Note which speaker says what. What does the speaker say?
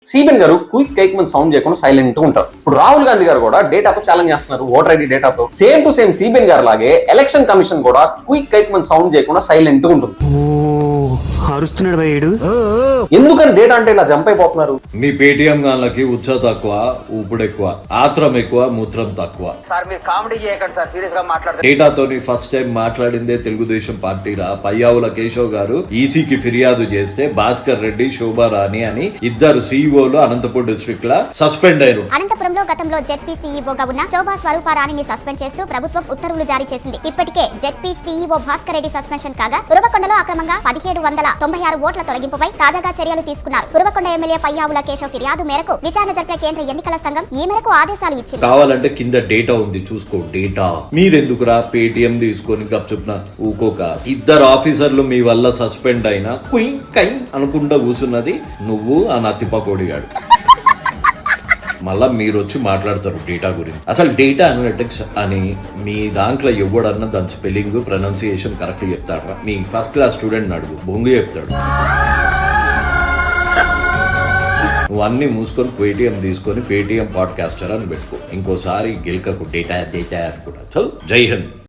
Speaker 1: CBN గారు quick కైక్ మంది సౌండ్ చేయకుండా సైలెంట్ ఉంటారు. ఇప్పుడు రాహుల్ గాంధీ గారు కూడా డేటాతో ఛాలెంజ్ చేస్తున్నారు, ఓటర్ ఐడి డేటాతో. Same to same CBN garu లాగే ఎలక్షన్ కమిషన్ కూడా క్విక్ కైక్ మంది సౌండ్ చేయకుండా సైలెంట్ ఉంటుంది.
Speaker 2: అరుస్తున్నాడు భయ్యుడు.
Speaker 1: ఎందుకని డేటా అంటే ఇలా జంప్ అయిపోతున్నారు?
Speaker 3: మీ పేటిఎం గాళ్ళకి ఉచ్చ తక్కువ, ఊపుడు ఎక్కువ, ఆత్రం ఎక్కువ, మూత్రం తక్కువ.
Speaker 4: సార్ మీరు కామెడీ చేయకండి సార్, సీరియస్ గా మాట్లాడుతున్నారు.
Speaker 3: డేటాతోని ఫస్ట్ టైం మాట్లాడిందే తెలుగుదేశం పార్టీరా. పయ్యావుల కేశవ్ గారు ఈసీకి ఫిర్యాదు చేస్తే భాస్కర్ రెడ్డి, శోభారాణి అని ఇద్దరు సీఈఓలు అనంతపూర్ డిస్ట్రిక్ట్ లా సస్పెండ్ అయ్యారు.
Speaker 5: అనంతపురంలో గతంలో జెడ్పీ సీఈఓగా ఉన్న శోభా స్వరూపారాణిని సస్పెండ్ చేస్తూ ప్రభుత్వం ఉత్తర్వులు జారీ చేసింది. ఇప్పటికే ZP CEO Bhaskar Reddy suspension కాగా ఉరవకొండలో అక్రమంగా 1796 ఓట్ల తొలగింపుపై తాజాగా చర్యలు తీసుకున్నారు. ఉరవకొండ ఎమ్మెల్యే పయ్యావుల కేశవ్ ఫిర్యాదు మేరకు విచారణ జరిపిన కేంద్ర ఎన్నికల సంఘం ఈ మేరకు ఆదేశాలు ఇచ్చింది.
Speaker 3: కావాలంటే కింద డేటా ఉంది చూసుకో. డేటా మీరెందుకురా పేటిఎం తీసుకొని గప్చుప్న ఊకోక. ఇద్దరు ఆఫీసర్లు మీ వల్ల సస్పెండ్ అయినా కుయ్ కై అనుకుంటా కూర్చున్నది నువ్వు ఆ నత్తిపకోడిగాడు. మళ్ళా మీరు వచ్చి మాట్లాడతారు డేటా గురించి. అసలు డేటా అనలిటిక్స్ అని మీ దాంట్లో ఎవడన్నా దాని స్పెల్లింగ్, ప్రొనౌన్సియేషన్ కరెక్ట్ చెప్తారా? మీ ఫస్ట్ క్లాస్ స్టూడెంట్ అడుగు, బొంగు చెప్తాడు. నువ్వు అన్ని మూసుకొని పేటిఎం తీసుకొని పేటిఎం పాడ్కాస్టర్ అని పెట్టుకో. ఇంకోసారి గెలకకు డేటా అనుకుంటా. జై హింద్.